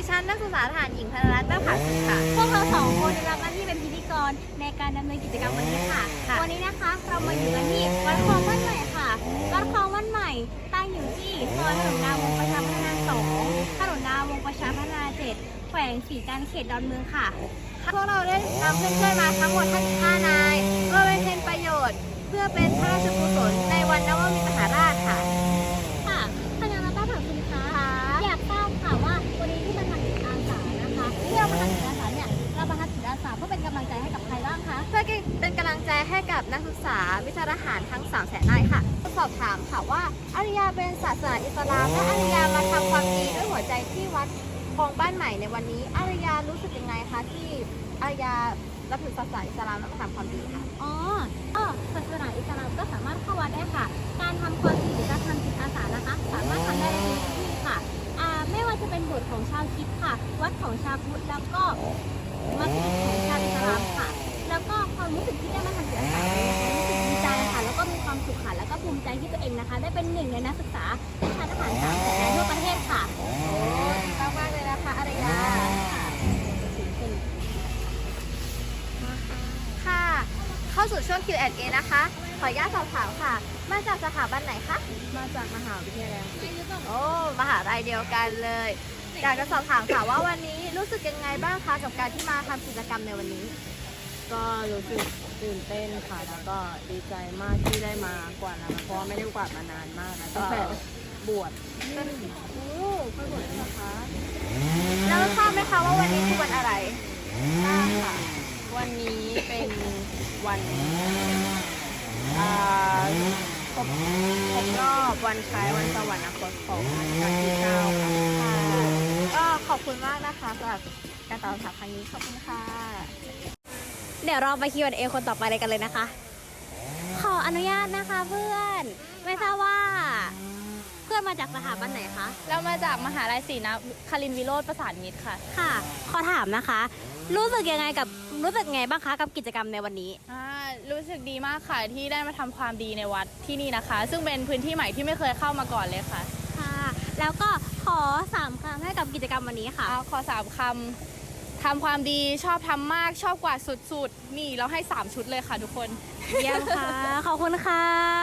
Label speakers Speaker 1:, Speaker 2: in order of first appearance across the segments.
Speaker 1: ฉันนักศึกษาทหารหญิงธนรัตน์แม่ผาสุขค่ะพวกเรา2 คนได้รับหน้าที่เป็นพิธีกรในการดำเนินกิจกรรมวันนี้ค่ะวันนี้นะคะเรามาอยู่กันที่วัดคลองบ้านใหม่ค่ะวัดคลองบ้านใหม่ตั้งอยู่ที่ซอยถนนดาวงประชาพัฒนา2ถนนดาวงประชาพัฒนา7แขวงศรีการเขตดอนเมืองค่ะพวกเราได้นำเพื่อนๆมาทั้งหมด55 นายเพื่อเป็นประโยชน์เพื่อเป็นพระราชกุศลในวันนวมินทรราชค่ะค่ะท่านอาจารย์ถามคุณคะอยากทราบค่ะว่าวันนี้ที่มาทำจิตอาสานะคะที่เรามาทำจิตอาสาเนี่ยเรามาทำจิตอาสาเพื่อเป็นกำลังใจให้กับใครบ้างคะเพื่อเป็นกำลังใจให้กับนักศึกษาวิชาทหารทั้ง300,000 นายค่ะสอบถามค่ะว่าอาริยาเป็นศาสนาอิสลามและอาริยามาทำความดีด้วยหัวใจที่วัดคลองบ้านใหม่ในวันนี้อาริยารู้สึกยังไงคะที่อาริยารับถือศาสนาอิสลามแล้วมาทำความดีค่ะศาสนาอิสลามก็สามารถเข้าวัดได้ค่ะการทำความดีหรือการทำจิตอาสานะคะสามารถทำได้ในทุกที่ค่ะไม่ว่าจะเป็นโบสถ์ของชาวคริสต์ค่ะวัดของชาวพุทธแล้วก็มัสยิดของชาวอิสลามค่ะแล้วก็ความรู้สึกที่ได้มาทำจิตอาสารู้สึกดีใจค่ะแล้วก็มีความสุขค่ะแล้วก็ภูมิใจที่ตัวเองนะคะได้เป็นหนึ่งในนักศึกษาวิชาทหาร300,000 นายทั่วประเทศค่ะโอ้ดีมากๆเลยนะคะอารยาค่ะเข้าสู่ช่วง Q&A นะคะขออนุญาตสอบถามค่ะมาจากสถาบันไหนคะมาจากมหาวิทยาลัยโอ้มหาลัยเดียวกันเลยอยากจะสอบถามค่ะว่าวันนี้รู้สึกยังไงบ้างคะกับการที่มาทำกิจกรรมในวันนี้
Speaker 2: ก็รู้สึกตื่นเต้นค่ะแล้วก็ดีใจมากที่ได้มากวาดนะคะเพราะไม่ได้กวาดมานานมากนะตั้งแต่บวช
Speaker 1: โอ้ค่อยบวชนะคะแล้วทราบไหมคะว่าวันนี้คือวันอะไร
Speaker 2: ทราบค่ะวันนี้เป็นวันครบรอบวันคล้ายวันสวรรคตของรัชกาลที่ 9ค่ะ
Speaker 1: ก็ขอบคุณมากนะคะสำหรับการตอบคำถามครั้งนี้ขอบคุณค่ะเดี๋ยวเราไป Q&A คนต่อไปเลยกันเลยนะคะขออนุญาตนะคะเพื่อนไม่ทราบว่าเพื่อนมาจากสถาบันไหนคะ
Speaker 2: เรามาจากมหาลัยศรีนครินทร์วิโรจน์ประสานมิตรค่ะ
Speaker 1: ค่ะขอถามนะคะรู้สึกไงบ้างคะกับกิจกรรมในวันนี้
Speaker 2: รู้สึกดีมากค่ะที่ได้มาทำความดีในวัดที่นี่นะคะซึ่งเป็นพื้นที่ใหม่ที่ไม่เคยเข้ามาก่อนเลยค่ะ
Speaker 1: ค่ะแล้วก็ขอ3 คำให้กับกิจกรรมวันนี้ค่ะ
Speaker 2: ขอ3 คำทำความดีชอบทำมากชอบกว่าสุดๆนี่เราให้3 ชุดเลยค่ะทุกคน
Speaker 1: เยี่ยมค่ะขอบคุณค่ะ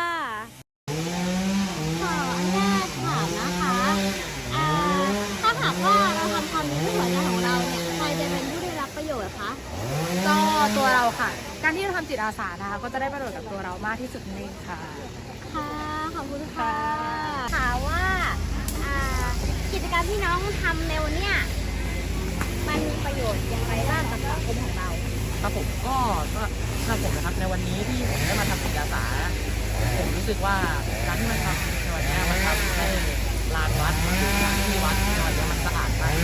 Speaker 1: ขออนุญาตถามนะคะถ้าหากว่าเราทำความดีด้วยหัวใจของเราเนี่ยใครจะเป็นผู้ได้รับประโยชน์คะ
Speaker 2: ก็ตัวเราค่ะการที่เราทำจิตอาสานะคะก็จะได้ประโยชน์กับตัวเรามากที่สุดนั่นเองค่ะ
Speaker 1: ค่ะขอบคุณค่ะถามว่ากิจกรรมที่น้องทำในวันนี้มันมีประโยชน์อย่างไรบ้างกับสังคมของเรา
Speaker 3: ครับผมก็สำหรับผมนะครับในวันนี้ที่ผมได้มาทำจิตอาสาผมรู้สึกว่าการที่มันทำในวันนี้มันทำให้ลานวัดที่วัดในวันนี้มันสะอาดมาก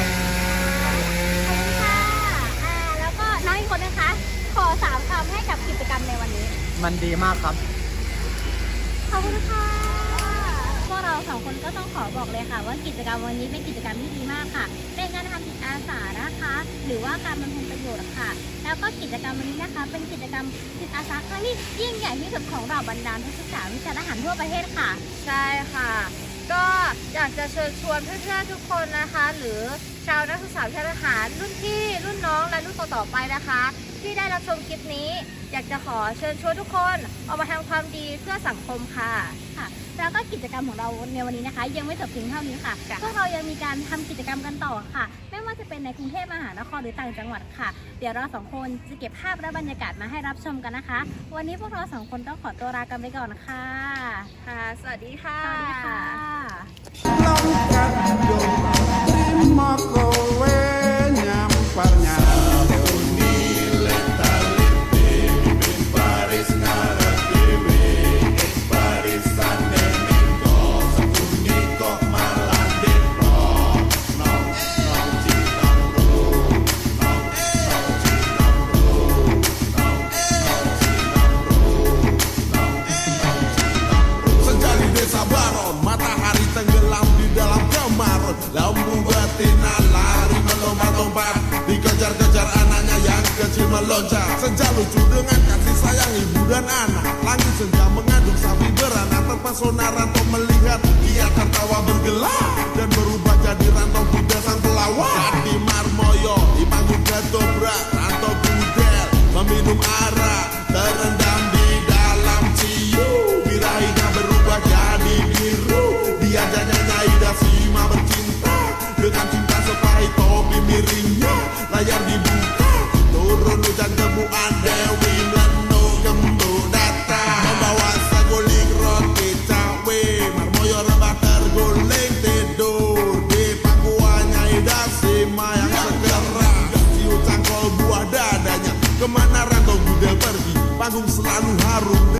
Speaker 1: แล้วก็น้องอีกคนนะคะขอ3 คำให้กับกิจกรรมในวันนี้
Speaker 3: มันดีมากครับ
Speaker 1: ขอบคุณค่ะพวกเรา2 คนก็ต้องขอบอกเลยค่ะว่ากิจกรรมวันนี้เป็นกิจกรรมที่ดีมากค่ะเป็นการทำจิตอาสานะคะหรือว่าการบำเพ็ญประโยชน์ค่ะแล้วก็กิจกรรมวันนี้นะคะเป็นกิจกรรมจิตอาสาครั้งที่ยิ่งใหญ่ที่สุดของเราบรรดานักศึกษาวิชาทหารทั่วประเทศค่ะใช่ค่ะก็อยากจะเชิญชวนเพื่อนๆทุกคนนะคะหรือชาวนักศึกษาวิชาทหารรุ่นพี่รุ่นน้องและรุ่นต่อๆไปนะคะที่ได้รับชมคลิปนี้อยากจะขอเชิญชวนทุกคนออกมาทำความดีเพื่อสังคมค่ะแล้วก็กิจกรรมของเราในวันนี้นะคะยังไม่จบเพียงเท่านี้ค่ะพวกเรายังมีการทำกิจกรรมกันต่อค่ะไม่ว่าจะเป็นในกรุงเทพมหานครหรือต่างจังหวัดค่ะเดี๋ยวเรา2 คนจะเก็บภาพและบรรยากาศมาให้รับชมกันนะคะวันนี้พวกเรา2 คนต้องขอตัวลากันไปก่อนค่ะสวัสดีค่ะสวัสดีค่ะ
Speaker 4: Lampu betina lari melompat-lompat dikejar-kejar anaknya yang kecil meloncat. Senja lucu dengan kasih sayang ibu dan anak. Langit senja mengandung sapi beranak terpesona rantau